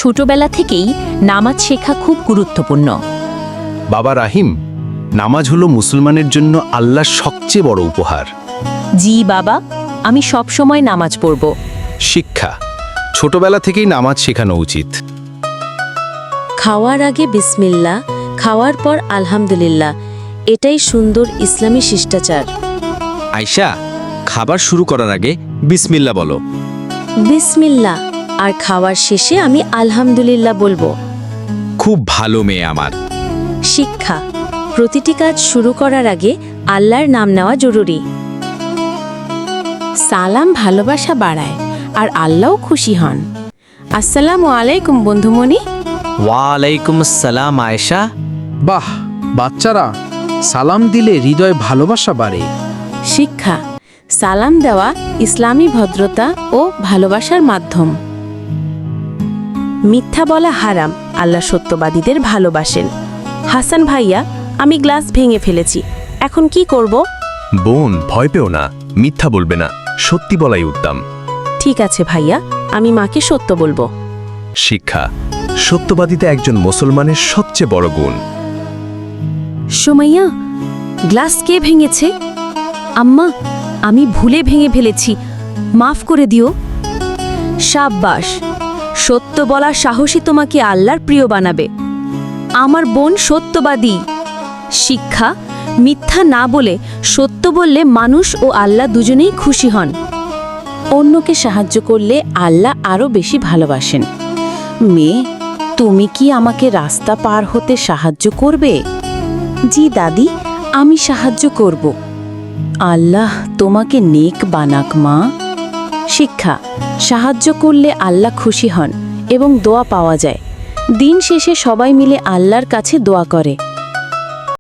ছোটবেলা থেকেই নামাজ শেখা খুব গুরুত্বপূর্ণ। বাবা রাহিম, নামাজ হলো মুসলমানের জন্য আল্লাহর সবচেয়ে বড় উপহার। জি বাবা, আমি সব সময় নামাজ পড়ব। শিক্ষা, ছোটবেলা থেকেই নামাজ শেখানো উচিত। খাওয়ার আগে বিসমিল্লাহ, খাওয়ার পর আলহামদুলিল্লাহ, এটাই সুন্দর ইসলামী শিষ্টাচার। আয়শা, খাবার শুরু করার আগে বিসমিল্লাহ বলো। বিসমিল্লাহ, আর খাওয়ার শেষে আমি আলহামদুলিল্লাহ বলবো। খুব ভালো মেয়ে আমার। শিক্ষা, প্রতিটি কাজ শুরু করার আগে আল্লাহর নাম নেওয়া জরুরি। সালাম ভালোবাসা বাড়ায় আর আল্লাহও খুশি হন। আসসালামু আলাইকুম বন্ধুমণি। ওয়ালাইকুম আসসালাম আয়েশা। বাহ, বাচ্চারা, সালাম দিলে হৃদয় ভালোবাসা বাড়ে। শিক্ষা, সালাম দেওয়া ইসলামী ভদ্রতা ও ভালোবাসার মাধ্যম। মিথ্যা বলা হারাম, আল্লাহ সত্যবাদীদের ভালোবাসেন। হাসান ভাইয়া, আমি গ্লাস ভেঙে ফেলেছি, এখন কি করব? বোন, ভয় পেও না, মিথ্যা বলবে না, সত্যি বলাই উত্তম। ঠিক আছে ভাইয়া, আমি মাকে সত্য বলবো। শিক্ষা, সত্যবাদিতা একজন মুসলমানের সবচেয়ে বড় গুণ। সুমাইয়া, গ্লাস কে ভেঙেছে? আম্মা, আমি ভুলে ভেঙে ফেলেছি, মাফ করে দিও। সাব্বাস, সত্য বলা সাহসী তোমাকে আল্লাহর প্রিয় বানাবে। আমার বোন সত্যবাদী। শিক্ষা, মিথ্যা না বলে সত্য বললে মানুষ ও আল্লাহ দুজনেই খুশি হন। অন্যকে সাহায্য করলে আল্লাহ আরও বেশি ভালোবাসেন। মেয়ে, তুমি কি আমাকে রাস্তা পার হতে সাহায্য করবে? জি দাদি, আমি সাহায্য করব। আল্লাহ তোমাকে নেক বানাক মা। শিক্ষা, সাহায্য করলে আল্লাহ খুশি হন এবং দোয়া পাওয়া যায়। দিন শেষে সবাই মিলে আল্লাহর কাছে দোয়া করে।